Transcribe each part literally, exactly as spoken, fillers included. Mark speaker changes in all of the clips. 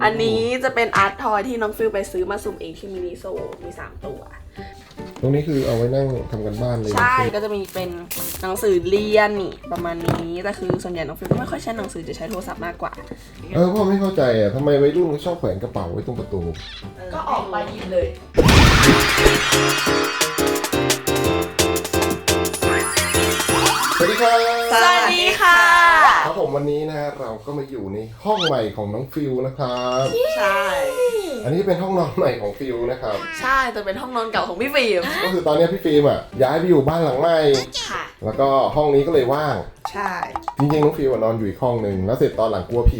Speaker 1: อันนี้จะเป็นอาร์ตทอยที่น้องฟิลไปซื้อมาสุ่มเองที่มินิโซมีสามตัว
Speaker 2: ตรงนี้คือเอาไว้นั่งทำกันบ้านเลย
Speaker 1: ใช่ก็จะมีเป็นหนังสือเรียนนี่ประมาณนี้แต่คือส่วนใหญ่น้องฟิลก็ไม่ค่อยใช้หนังสือจะใช้โทรศัพท์มากกว่า
Speaker 2: เออพ่อไม่เข้าใจอ่ะทำไมวัยรุ่นชอบแขวนกระเป๋าไว้ตรงประตู
Speaker 1: ก็ออกไปหยิบเลย
Speaker 2: สวัสดีครับ
Speaker 1: สวัสดีค่ะ
Speaker 2: ครับผมวันนี้นะฮะเราก็มาอยู่ในห้องใหม่ของน้องฟิลนะครับ
Speaker 1: ใช่
Speaker 2: อันนี้เป็นห้องนอนใหม่ของฟิลนะครับ
Speaker 1: ใช่แต่เป็นห้องนอนเก่าของพี่ฟิล์ม
Speaker 2: ก็คือตอนนี้พี่ฟิล์มอ่ะย้ายไปอยู่บ้านหลังใหม่
Speaker 1: ค่ะ
Speaker 2: แล้วก็ห้องนี้ก็เลยว่าง
Speaker 1: ใช่
Speaker 2: จริงๆน้องฟิลนอนอยู่อีกห้องหนึ่งแล้วเสร็จตอนหลังกลัวผี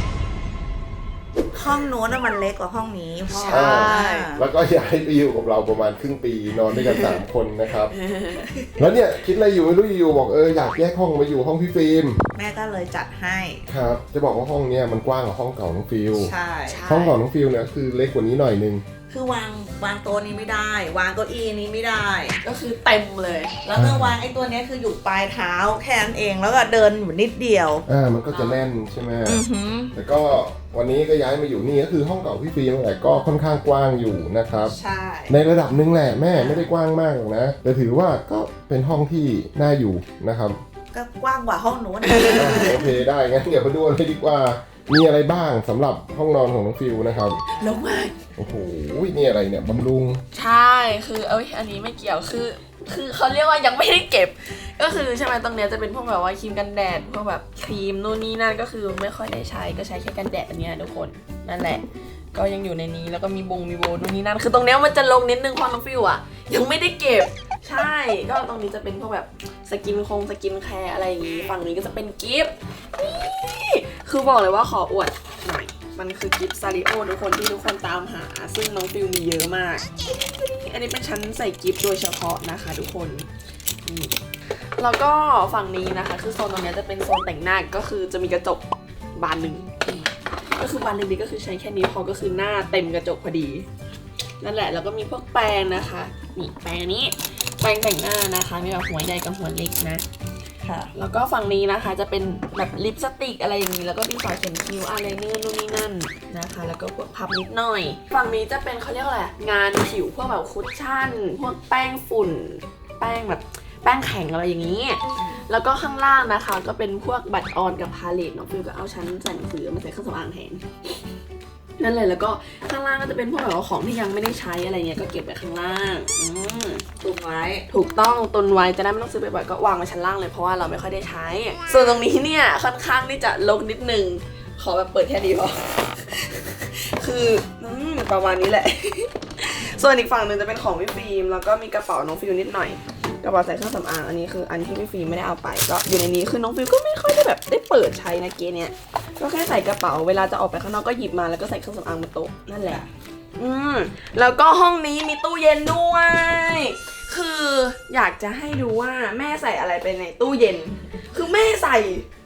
Speaker 3: ห้องนู้นมันเล็กกว่าห้องนี้พ่อ
Speaker 2: ใช่แล้วก็ย้ายไปอยู่กับเราประมาณครึ่งปีนอนด้วยกันสามคนนะครับแล้วเนี่ยคิดอะไรอยู่ไม่รู้อยู่บอกเอออยากแยกห้องมาอยู่ห้องพี่ฟิล์ม
Speaker 3: แม่ก็เลยจัดให้
Speaker 2: ครับจะบอกว่าห้องเนี้ยมันกว้างกว่าห้องเก่าน้องฟิล
Speaker 3: ใช่
Speaker 2: ห้องเก่าน้องฟิลเนี่ยคือเล็กกว่านี้หน่อยนึง
Speaker 3: คือวางวางโต๊ะนี้ไม่ได้วางเก้าอี้นี้ไม่ได้
Speaker 1: ก็คือเต็มเลย
Speaker 3: แล้วก็วางไอ้ตัวนี้คืออยู่ปลายเท้าแค่นั้นเองแล้วก็เดินอยู่นิดเดียว
Speaker 2: อ่ามันก็จะแน่นใช่ไหมแต่ก็วันนี้ก็ย้ายมาอยู่นี่ก็คือห้องเก่าพี่ฟิล์มแหละก็ค่อนข้างกว้างอยู่นะครับ
Speaker 3: ใช่
Speaker 2: ในระดับหนึ่งแหละแม่ไม่ได้กว้างมากหรอกนะแต่ถือว่าก็เป็นห้องที่น่าอยู่นะครับ
Speaker 3: ก็กว้างกว่าห้องนู้น
Speaker 2: โอเคได้งั้นเดี๋ยวมาดูเลยดีกว่ามีอะไรบ้างสำหรับห้องนอนของน้องฟิลนะครับ
Speaker 1: ลงมา
Speaker 2: โอ้โหนี่อะไรเนี่ยบำรุง
Speaker 1: ใช่คือเอ้ยอันนี้ไม่เกี่ยวคือคือเขาเรียกว่ายังไม่ได้เก็บก็คือใช่ไหมตรงเนี้ยจะเป็นพวกแบบว่าครีมกันแดดพวกแบบครีมนู่นนี่นั่นก็คือไม่ค่อยได้ใช้ก็ใช้แค่กันแดดอันเนี้ยทุกคนนั่นแหละก็ยังอยู่ในนี้แล้วก็มีบงมีโบนู่นนี่นั่นคือตรงเนี้ยมันจะลงนิดนึงเพราะน้องฟิลอ่ะยังไม่ได้เก็บใช่ก็ตรงนี้จะเป็นพวกแบบสกินคงสกินแคร์อะไรอย่างงี้ฝั่งนี้ก็จะเป็นกิฟต์นี่คือบอกเลยว่าขออวดหน่อยมันคือกิฟต์ซาริโอทุกคนที่ทุกคนตามหาซึ่งน้องฟิลมีเยอะมากอันนี้เป็นชั้นใส่กิฟต์โดยเฉพาะนะคะทุกคนนี่แล้วก็ฝั่งนี้นะคะคือโซนตรงนี้จะเป็นโซนแต่งหน้าก็คือจะมีกระจกบานหนึ่งก็คือบานเล็กๆก็คือใช้แค่นี้พอก็คือหน้าเต็มกระจกพอดีนั่นแหละแล้วก็มีพวกแปรงนะคะนี่แปรงนี้แปรงแต่งหน้านะคะมีแบบหัวใหญ่กับหัวเล็กนะค่ะแล้วก็ฝั่งนี้นะคะจะเป็นแบบลิปสติกอะไรอย่างนี้แล้วก็ดินสอเขียนคิ้วอะไรเนื้อนู่นนี่นั่นนะคะแล้วก็พวกพับนิดหน่อยฝั่งนี้จะเป็นเขาเรียกอะไรงานผิวพวกแบบคุชชั่นพวกแป้งฝุ่นแป้งแบบแป้งแข็งอะไรอย่างนี้แล้วก็ข้างล่างนะคะก็เป็นพวกบัตรออนกับพาเลตน้องฟิลก็เอาชั้นใส่หนังสือมาใส่เครื่องสำอางแทนนั่นเลยแล้วก็ข้างล่างก็จะเป็นพวกแบบของที่ยังไม่ได้ใช้อะไรเงี้ยก็เก็บไว้ข้างล่างอืม
Speaker 3: ตุนไว้
Speaker 1: ถูกต้องตุนไว้จะได้ไม่ต้องซื้อบ่อยๆก็วางไว้ชั้นล่างเลยเพราะว่าเราไม่ค่อยได้ใช้ส่วนตรงนี้เนี่ยค่อนข้างที่จะรกนิดนึงขอแบบเปิดแค่นี้พอ คืออืมประมาณนี้แหละ ส่วนอีกฝั่งหนึ่งจะเป็นของพี่ฟิล์มแล้วก็มีกระเป๋าน้องฟิลนิดหน่อยกระเป๋าใส่เครื่องสำอางอันนี้คืออันที่พี่ฟิล์มไม่ได้เอาไปก็อยู่ในนี้คือน้องฟิลก็ไม่ค่อยได้แบบได้เปิดใช้นะเกเนี่ยก็แค่ใส่กระเป๋าเวลาจะออกไปข้างนอกก็หยิบมาแล้วก็ใส่เครื่องสำอางบนโต๊ะนั่นแหละอืมแล้วก็ห้องนี้มีตู้เย็นด้วยคืออยากจะให้ดูว่าแม่ใส่อะไรไปในตู้เย็นคือแม่ใส่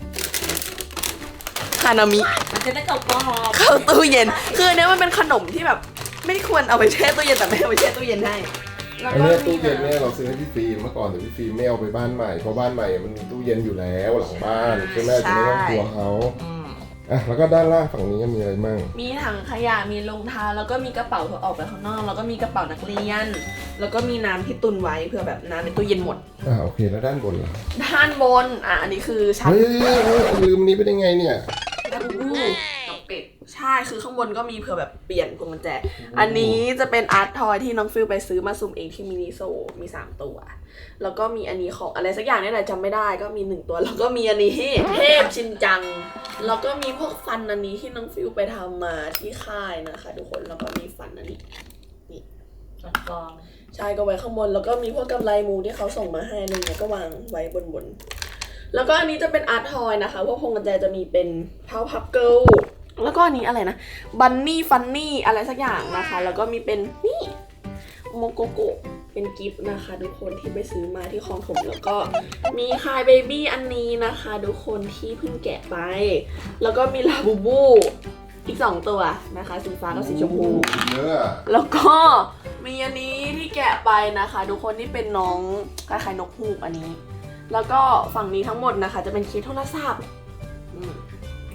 Speaker 1: ฮานามิ
Speaker 3: มันจะได้กรอบกรอบ
Speaker 1: เข้าตู้เย็นคืออันนี้มันเป็นขนมที่แบบไม่ควรเอาไปแช่ตู้เย็นแต่แม่เอาไปแช่ตู้เย็นให้
Speaker 2: อันนี้ตู้เย็นเนี่ยเราซื้อให้พี่ฟิล์มเมื่อก่อนแต่พี่ฟิล์มไม่เอาไปบ้านใหม่เพราะบ้านใหม่มันมีตู้เย็นอยู่แล้วหลังบ้านใช่ไหมจะไม่ต้องกลัวเขาอ่ะแล้วก็ด้านล่างฝั่งนี้มีอะไรมั่ง
Speaker 1: มีถังขยะมีรองเท้าแล้วก็มีกระเป๋าเผื่อออกไปข้างนอกแล้วก็มีกระเป๋านักเรียนแล้วก็มีน้ำที่ตุนไว้เผื่อแบบน้ำในตู้เย็นหมด
Speaker 2: อ่าโอเคแล้วด้านบนล่ะ
Speaker 1: ด้านบนอ่ะอันนี้คือชั้น
Speaker 2: เฮ้ยลืมนี้ไปได้ไงเนี่ย
Speaker 1: ดับบูปิดใช่คือข้างบนก็มีเผื่อแบบเปลี่ยนพวงกุญแจอันนี้จะเป็นอาร์ตทอยที่น้องฟิลไปซื้อมาสุ่มเองที่มินิโซมีสามตัวแล้วก็มีอันนี้ของอะไรสักอย่างนี่แหละจำไม่ได้ก็มีหนึ่งตัวแล้วก็มีอันนี้เทพชินจังแล้วก็มีพวกฟันอันนี้ที่น้องฟิลไปทำมาที่ค่ายนะคะทุกคนแล้วก็มีฟันอันนี้นี่
Speaker 3: ฟันกอง
Speaker 1: ใช่ก็ไว้ข้างบนแล้วก็มีพวกกำไลมูที่เขาส่งมาให้อะไรเงี้ยก็วางไว้บนบนแล้วก็อันนี้จะเป็นอาร์ตทอยนะคะพวกพวงกุญแจจะมีเป็นเท้าพับเกิลแล้วก็อันนี้อะไรนะบันนี่ฟันนี่อะไรสักอย่างนะคะแล้วก็มีเป็นนี่โมโกโกะเป็นกิฟต์นะคะทุกคนที่ไปซื้อมาที่คลองถมแล้วก็มีคายเบบี้อันนี้นะคะทุกคนที่เพิ่งแกะไปแล้วก็มีลาบูบูอีกสองตัวนะคะสีฟ้ากับสีชมพูแล้วก็มีอันนี้ที่แกะไปนะคะทุกคนที่เป็นน้องคล้ายๆนกฮูกอันนี้แล้วก็ฝั่งนี้ทั้งหมดนะคะจะเป็นเคสโทรศัพท์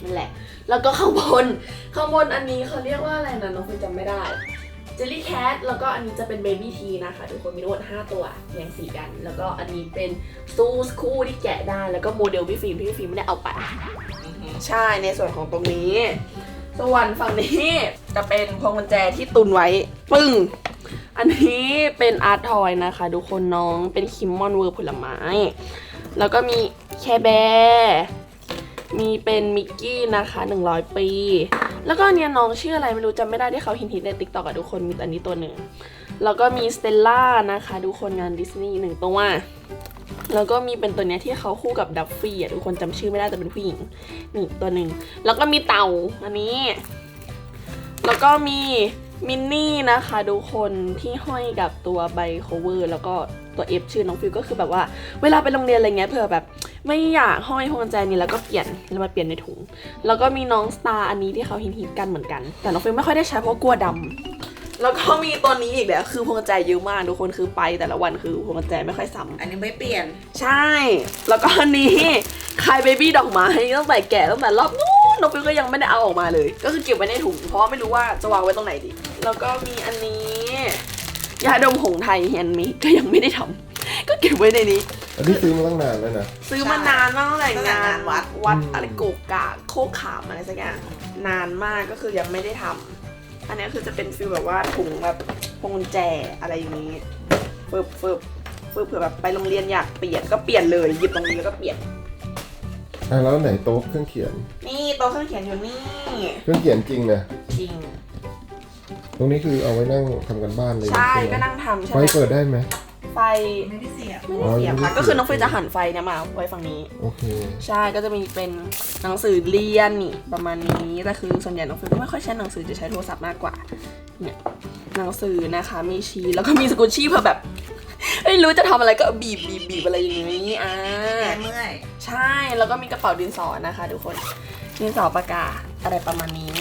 Speaker 1: นั่นแหละแล้วก็ข้างบนข้างบนอันนี้เขาเรียกว่าอะไรนะน้องฟิวจำไม่ได้เจลลี่แคทแล้วก็อันนี้จะเป็นเบบี้ทีนะคะทุกคนมีทั้งหมดห้าตัวแยงสีกันแล้วก็อันนี้เป็นซูสคู่ที่แกะได้แล้วก็โมเดลพี่ฟิล์มที่พี่ฟิล์มไม่ได้เอาไปใช่ในส่วนของตรงนี้ส่วนฝั่งนี้จะเป็นพวงกุญแจที่ตุนไว้ปึ้งอันนี้เป็นอาร์ตทอยนะคะทุกคนน้องเป็นคิมมอนเวอร์ผลไม้แล้วก็มีแคร์แบร์มีเป็นมิกกี้นะคะหนึ่งร้อยปีแล้วก็เนี่ยน้องชื่ออะไรไม่รู้จำไม่ได้ที่เขาฮิตๆใน ติ๊กต็อก อะทุกคนมีอันนี้ตัวหนึ่งแล้วก็มีสเตลล่านะคะทุกคนงานดิสนีย์หนึ่งตัวแล้วก็มีเป็นตัวเนี้ยที่เขาคู่กับดัฟฟี่อะทุกคนจำชื่อไม่ได้แต่เป็นผู้หญิงนี่ตัวหนึ่งแล้วก็มีเต่าอันนี้แล้วก็มีมินนี่นะคะทุกคนที่ห้อยกับตัวใบโคเวอร์แล้วก็ตัว F ชื่อน้องฟิวก็คือแบบว่าเวลาไปโรงเรียนอะไรเงี้ยเผื่อแบบไม่อยากห้อยพวงกุญแจนี้แล้วก็เปลี่ยนแล้วมาเปลี่ยนในถุงแล้วก็มีน้องสตาร์อันนี้ที่เขาฮิตๆกันเหมือนกันแต่น้องฟิวไม่ค่อยได้ใช้เพราะกลัวดำแล้วก็มีตัวนี้อีกแล้วคือพวงกุญแจเยอะมากทุกคนคือไปแต่ละวันคือพวงกุญแจไม่ค่อยซ้ำ
Speaker 3: อันนี้ไม่เปลี่ยน
Speaker 1: ใช่แล้วก็อันนี้คายเบบี้ดอกไม้ตั้งแต่แกะตั้งแต่รอบนู้นน้องฟิวก็ยังไม่ได้เอาออกมาเลยก็คือเก็บไว้ในถุงเพราะไม่รู้ว่าจะวางไว้ตรงไหนดีแล้วก็มีอันนี้ยาดมหงไทยแฮนด์เมดก็ยังไม่ได้ทำก็เก็บไว้ในนี้
Speaker 2: อันนี้ซื้อมาตั้งนานแล้วนะ
Speaker 1: ซื้อมานานมากตั้งแต่งานวัดวัดอะไรโกกาโคกขามอะไรสักอย่างนานมากก็คือยังไม่ได้ทำอันนี้คือจะเป็นฟีลแบบว่าถุงแบบพวงกุญแจอะไรอย่างนี้ฟึบฟึบฟึบเผื่อแบบไปโรงเรียนอยากเปลี่ยนก็เปลี่ยนเลยหยิบตรงนี้แล้วก็เปลี่ยน
Speaker 2: อ่ะแล้วไหนโต๊ะเครื่องเขียน
Speaker 1: นี่โต๊ะเครื่องเขียนอยู่นี่
Speaker 2: เครื่องเขียนจริงนะ
Speaker 1: จริง
Speaker 2: ตรงนี้คือเอาไว้นั่งทำกันบ้านเลย
Speaker 1: ใช่ก็นั่งทำใช่ไหม
Speaker 2: ไฟเปิดได้ไหม
Speaker 1: ไฟ
Speaker 3: ไม่ได้เสียบ
Speaker 1: ไม่ได้เสียบค่ะก็คือน้องฟิวจะหันไฟเนี่ยมาไว้ฝั่งนี้
Speaker 2: โอเค
Speaker 1: ใช่ก็จะมีเป็นหนังสือเรียนนี่ประมาณนี้แต่คือส่วนใหญ่น้องฟิวก็ไม่ค่อยใช้หนังสือจะใช้โทรศัพท์มากกว่าเนี่ยหนังสือนะคะมีชีแล้วก็มีสกุชชี่เพื่อแบบไม่รู้จะทำอะไรก็บีบบีบบีบอะไรอย่างนี้อ่า
Speaker 3: เมื่อย
Speaker 1: ใช่แล้วก็มีกระเป๋าดินสอนะคะทุกคนดินสอปากกาอะไรประมาณนี้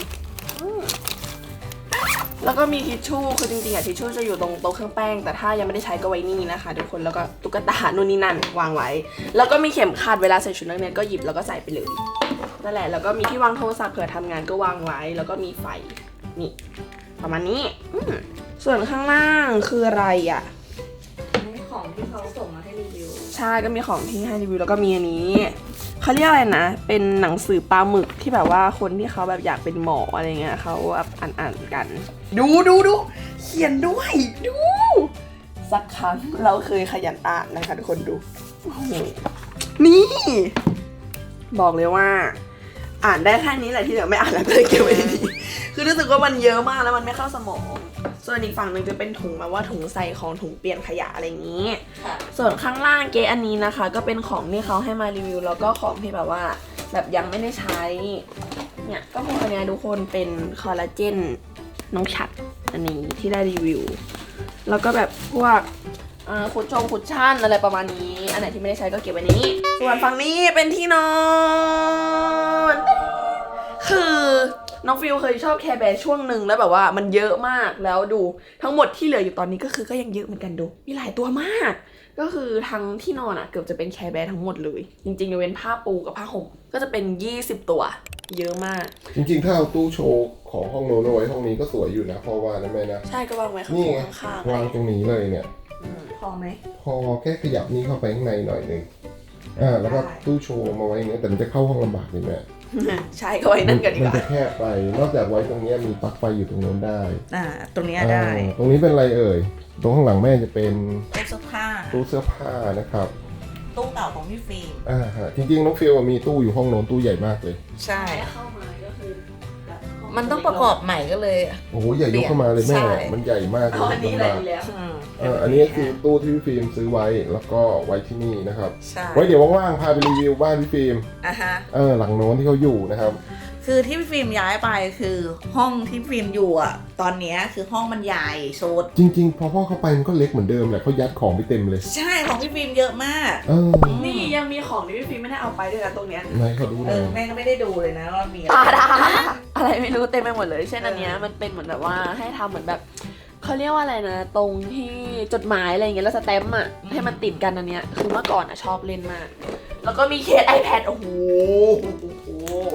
Speaker 1: แล้วก็มีทิชชู่คือจริงๆอะทิชชู่จะอยู่ตรงโต๊ะเครื่องแป้งแต่ถ้ายังไม่ได้ใช้ก็ไว้นี่นะคะทุกคนแล้วก็ตุ๊กตานู่นนี่นั่นวางไว้แล้วก็มีเข็มขัดเวลาใส่ชุดนักเรียนก็หยิบแล้วก็ใส่ไปเลยนั่นแหละแล้วก็มีที่วางโทรศัพท์เผื่อทำงานก็วางไว้แล้วก็มีไฟนี่ประมาณนี้ส่วนข้างล่างคืออะไรอะ
Speaker 3: ของที่เขาส่งมาให้รีวิว
Speaker 1: ใช่ก็มีของที่ให้รีวิวแล้วก็มีอันนี้เขาเรียกอะไรนะเป็นหนังสือปลาหมึกที่แบบว่าคนที่เขาแบบอยากเป็นหมออะไรเงี้ยเขาแบบอ่านๆกันดูดูดูเขียนด้วยดูสักครั้งเราเคยขยันอ่านนะคะทุกคนดูโอ้โหนี่บอกเลยว่าอ่านได้แค่นี้แหละที่เหลือไม่อ่านแล้วก็เลยเก็บไว้ดีคือรู้สึกว่ามันเยอะมากแล้วมันไม่เข้าสมองส่วนอีกฝั่งหนึ่งจะเป็นถุงแบบว่าถุงใส่ของถุงเปลี่ยนขยะอะไรอย่างนี้ส่วนข้างล่างเกอันนี้นะคะก็เป็นของที่เขาให้มารีวิวแล้วก็ของที่แบบว่าแบบยังไม่ได้ใช้เนี่ยก็พวกอันนี้ทุกคนเป็นคอลลาเจนน้องฉัดอันนี้ที่ได้รีวิวแล้วก็แบบพวกคุชชงคุชชั่นอะไรประมาณนี้อันไหนที่ไม่ได้ใช้ก็เก็บไว้นี้ส่วนฝั่งนี้เป็นที่นอนคือน้องฟิวเคยชอบแคร์แบร์ช่วงหนึ่งแล้วแบบว่ามันเยอะมากแล้วดูทั้งหมดที่เหลืออยู่ตอนนี้ก็คือก็ยังเยอะเหมือนกันดูมีหลายตัวมากก็คือทั้งที่นอนอ่ะเกือบจะเป็นแคร์แบร์ทั้งหมดเลยจริงๆยกเว้นผ้าปูกับผ้าห่มก็จะเป็นยี่สิบตัวเยอะมาก
Speaker 2: จริงๆถ้าเอาตู้โชว์ของห้องโน้นเอาไว้ห้องนี้ก็สวยอยู่นะพอว่านะแม่นะ
Speaker 1: ใช่ก็วางไว้ข้าง
Speaker 2: ๆวางตรงนี้เลยเนี่ย
Speaker 3: พอไหม
Speaker 2: พอแค่ขยับนี้เข้าไปข้างในหน่อยนึงอ่าแล้วก็ตู้โชว์มาไว้เนี่ยแต่มันจะเข้าห้องลำบากเลยแม่
Speaker 1: ใช่ก็ไว้นั่นกันดีกว่า
Speaker 2: มันจะแคบไปนอกจากไว้ตรงนี้มีปลั๊กไฟอยู่ตรงโน้นได้
Speaker 3: อ่าตรงนี้ได้
Speaker 2: ตรงนี้เป็นอะไรเอ่ยตรงข้างหลังแม่จะเป็น
Speaker 3: ตู้เสื้อผ้า
Speaker 2: ตู้เสื้อผ้านะครับ
Speaker 3: ตู้เก่าของพี่ฟิล์ม
Speaker 2: อ่าฮะจริงๆน้องฟิลมีตู้อยู่ห้องโน้นตู้ใหญ่มากเลย
Speaker 3: ใช่เข้ามาก็คือมันต้องประกอบใหม่ก็เลย
Speaker 2: โอ้โหใหญ่ยกเข้ามาเลยแม่มันใหญ่มากเลย
Speaker 1: อันนี้อะไรแล้ว
Speaker 2: อ่าอันนี้คือตู้ที่พี่ฟิล์มซื้อไว้แล้วก็ไว้ที่นี่นะครับไว้เดี๋ยวว่างๆพาไปรีวิวบ้านพี่ฟิล์ม
Speaker 3: อ่าฮะ
Speaker 2: เออหลังโน้นที่เขาอยู่นะครับ
Speaker 3: คือที่พี่ฟิล์มย้ายไปคือห้องที่ฟิล์มอยู่อ่ะตอนนี้คือห้องมันใหญ่โซด
Speaker 2: จริงๆพอพ่อเข้าไปมันก็เล็กเหมือนเดิมแหละเขายัดของไปเต็มเลย
Speaker 3: ใช่ของพี่ฟิล์มเยอะมาก
Speaker 1: นี่ยังมีของที่พี่ฟิล์มไม่ได้เอาไปด้วยนะตรงเนี้ย
Speaker 2: ไหนเขาดู
Speaker 3: เออแม่ก็ไม่ได้ดูเลยนะว่ามี
Speaker 1: อะไรอะไรไม่รู้เต็มไปหมดเลยเช่นอันเนี้ยมันเป็นเหมือนแบบว่าให้ทำเหมือนแบบเขาเรียกว่าอะไรนะตรงที่จดหมายอะไรอย่างเงี้ยแล้วสแตมป์อ่ะให้มันติดกันอันเนี้ยคือเมื่อก่อนอ่ะชอบเล่นมากแล้วก็มีเคส iPad โอ้โห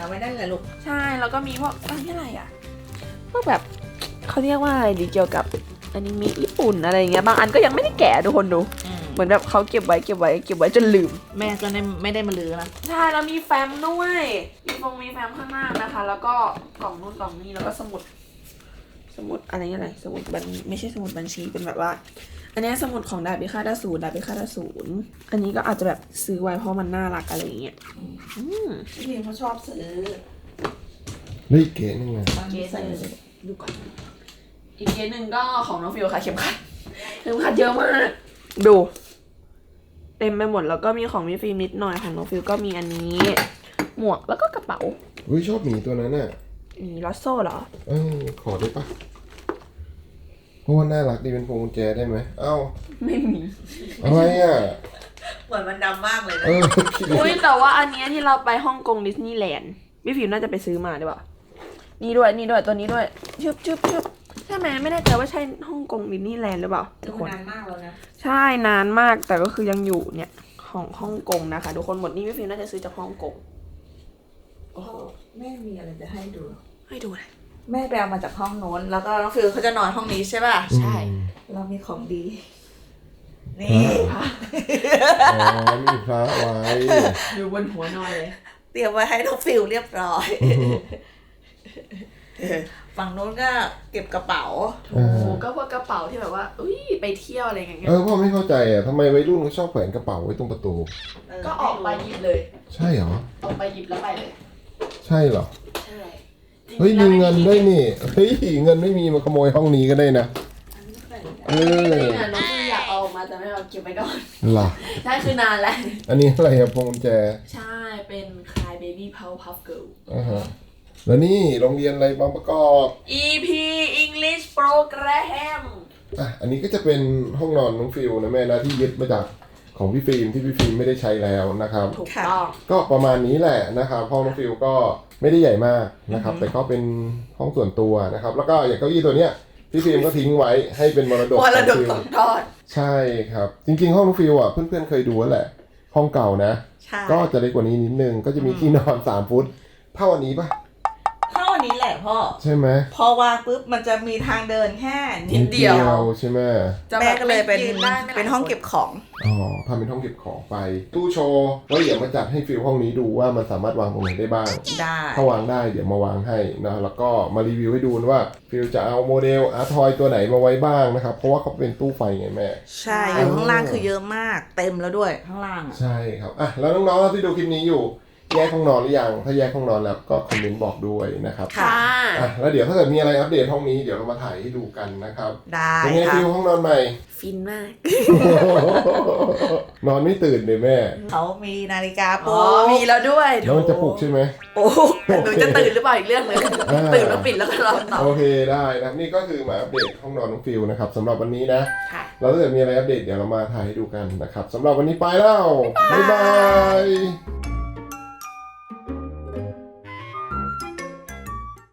Speaker 3: เอาไว้ได้เลยลูก
Speaker 1: ใช่แล้วก็มีพวกอันนี้อะไรอ่ะพวกแบบเขาเรียกว่าอะไรดีเกี่ยวกับอนิเมะญี่ปุ่นอะไรอย่างเงี้ยบางอันก็ยังไม่ได้แกะทุกคนดูเหมือนแบบเขาเก็บไว้เก็บไว้เก็บไว้จนลืม
Speaker 3: แม่ก็ไม่ได้มาลือนะ
Speaker 1: ใช่แล้วมีแฟ้มด้วยมีฟงมีแฟ้มข้างหน้านะคะ แล้วก็กล่องนู่นกล่องนี้แล้วก็สมุด สมุดอะไรอะไรสมุดบัญไม่ใช่สมุดบัญชีเป็นแบบว่า อันนี้สมุดของดาบพิฆาตอสูรดาบพิฆาตอสูรอันนี้ก็อาจจะแบบซื้อไว้เพราะมันน่ารักอะไรอย่างเงี้ยอืม
Speaker 3: พี่พิมเขาชอบซื้อ
Speaker 2: เฮ้ยเก๋นึงไง
Speaker 1: เกสหนึ่งดูก่อนอีกเกสหนึ่งก็ของน้องฟิวค่ะเข็มขัดเข็มขัดเยอะมากดู เต็มไปหมดแล้วก็มีของพี่ฟิล์มนิดหน่อยของน้องฟิวก็มีอันนี้ หมวกแล้วก็กระเป๋า
Speaker 2: เฮ้ยชอบหมีตัวนั้นน่ะ
Speaker 1: มีลอสโซ่เหรอ
Speaker 2: เออขอได้ปะเพราะว่าน่ารักดีเป็นพวงกุญแจได้ไหมเอ้า
Speaker 1: ไม่มี
Speaker 2: อะไรอ่ะ
Speaker 3: เหมือนมันดำมากเลยนะ
Speaker 2: เออคิดดิ
Speaker 1: อุ้ยแต่ว่าอันเนี้ยที่เราไปฮ่องกงดิสนีย์แลนด์พี่ฟิล์มน่าจะไปซื้อมาได้ปะนี่ด้วยนี่ด้วยตัวนี้ด้วยชึบชึบชึบใช่ไหมไม่แน่ใจว่าใช่ฮ่องกงดิสนีย์แลนด์หรือเปล่าทุกคน
Speaker 3: นานมากแล้วนะ
Speaker 1: ใช่นานมากแต่ก็คือยังอยู่เนี่ยของฮ่องกงนะคะทุกคนหมดนี่พี่ฟิล์มน่าจะซื้อจากฮ่องกงโอ้โห
Speaker 3: แม่มีอะไรจะให้ดู
Speaker 1: ให้ดูเลย
Speaker 3: แม่ไปเอามาจากห้องโน้น แล้วก็น้องฟิวเขาจะนอนห้องนี้ใช่ป่ะ
Speaker 1: ใช่
Speaker 3: เรามีของดี นี่
Speaker 2: อ๋อมีพระไว้
Speaker 1: อยู่บนหัวนอนเลย
Speaker 3: เตรียมไว้ให้น้องฟิวเรียบร้อย
Speaker 2: อือฮึ
Speaker 3: ฝั่งโน้นก็เก็บกระเป๋า
Speaker 1: โอ้ก็พวกกระเป๋าที่แบบว่าอุ้ยไปเที่ยวอะไรอย่างเงี้ย
Speaker 2: เออพ่อไม่เข้าใจอ่ะทำไมวัยรุ่นเขาชอบแขวนกระเป๋าไว้ตรงประตู
Speaker 1: ก็ออกไปหยิบเลย
Speaker 2: ใช่เหรอ
Speaker 1: ออกไปหยิบแล้วไปเลย
Speaker 2: ใช่เหรอ
Speaker 1: ใช่
Speaker 2: เฮ้ยมีเงินด้วยนี่เฮ้ยเงินไม่มีมาขโมยห้องนี้ก็ได้นะเอ
Speaker 1: จ
Speaker 2: อ
Speaker 1: ริงๆอ่ะน้องคืออยากเอาออกมาแต่ไม่เอาเก็บไว้ก่อน
Speaker 2: ล่ะ
Speaker 1: ใช่คือนานแล้ว
Speaker 2: อันนี้อะไรอะพวงกุญแจ
Speaker 1: ใช่เป็น Cry Baby Powerpuff Girl
Speaker 2: อ่าฮะแล้วนี่โรงเรียนอะไรบางประกอบ
Speaker 1: อี พี English Program
Speaker 2: อ่ะอันนี้ก็จะเป็นห้องนอนน้องฟิลนะแม่นะที่ยึดมาจากของพี่ฟิล์มที่พี่ฟิล์มไม่ได้ใช้แล้วนะครับ
Speaker 1: ถูกต้อง
Speaker 2: ก็ประมาณนี้แหละนะครับห้องน้องฟิลก็ไม่ได้ใหญ่มากนะครับแต่ก็เป็นห้องส่วนตัวนะครับแล้วก็อย่างเก้าอี้ตัวเนี้ยพี่ฟิล์มก็ทิ้งไว้ให้เป็นมรดก
Speaker 1: มรดก
Speaker 2: ของฟิล์
Speaker 1: ต
Speaker 2: ม
Speaker 1: กทอด
Speaker 2: ใช่ครับจริงๆห้องน้องฟิลอ่ะเพื่อนๆเคยดูแล้วแหละห้องเก่านะ
Speaker 3: ใช่
Speaker 2: ก็จะเล็กกว่านี้นิดนึงก็จะมีที่นอนสามฟุตเท่าอันนี้ปะ
Speaker 3: เท่านี้แหละพ่อ
Speaker 2: ใช่ไหม
Speaker 3: พอวางปุ๊บมันจะมีทางเดินแค่นิ
Speaker 1: นิ
Speaker 3: ด
Speaker 1: ดเดียว
Speaker 2: ใช่ไหม
Speaker 1: จะ
Speaker 3: แม่ก็เลยเป็น
Speaker 1: ยืได้ไม่หลาย
Speaker 3: เป็นห้องเก็บของ
Speaker 2: อ๋อทำเป็นห้องเก็บของไปตู้โชว์ไว้เดี๋ยวมาจัดให้ฟิลห้องนี้ดูว่ามันสามารถวางตรงไหนได้บ้าง
Speaker 3: ได้
Speaker 2: ถ้าวางได้เดี๋ยวมาวางให้นะแล้วก็มารีวิวให้ดูว่าฟิลจะเอาโมเดลอาร์ทอยตัวไหนมาไว้บ้างนะครับเพราะว่าเขาเป็นตู้ไฟไงแม่
Speaker 3: ใช่อยู่ข้างล่างคือเยอะมาก เต็มแล้วด้วยข้างล่างอะ
Speaker 2: ใช่ครับอ่ะแล้วน้องๆที่ดูคลิปนี้อยู่แยกห้องนอนหรือยังถ้าแยกห้องนอนแล้วก็คอมเมนต์บอกด้วยนะครับ
Speaker 1: ค่ะ
Speaker 2: อ่ะแล้วเดี๋ยวถ้าเกิดมีอะไรอัปเดตห้องนี้เดี๋ยวเรามาถ่ายให้ดูกันนะครับ
Speaker 3: ได้
Speaker 2: เป็นไง
Speaker 3: ค่ะ
Speaker 2: ฟิลห้องนอนใหม่
Speaker 1: ฟินมาก
Speaker 2: นอนไม่ตื่นเลยแม่
Speaker 3: เขามีนาฬิกาป
Speaker 1: อ๋
Speaker 3: ลุ
Speaker 1: อก มีแล้วด้วย
Speaker 2: แล้วมันจะปลุกใช่ไหม
Speaker 1: โอ้แต่หนูจะตื่นหรือเปล่าอีกเรื่องหนึง
Speaker 2: อ่า
Speaker 1: ตื่นแล้วปิดแล้วก็นอนต่อ
Speaker 2: โอเคได้นะครับนี่ก็คือมาอัปเดตห้องนอนน้องฟิลนะครับสำหรับวันนี้นะ
Speaker 1: ค่ะ
Speaker 2: แล้วถ้าเกิดมีอะไรอัปเดตเดี๋ยวเรามาถ่ายให้ดูกันนะครับสำหรับวันนี้ไปแล้วบ๊ายบาย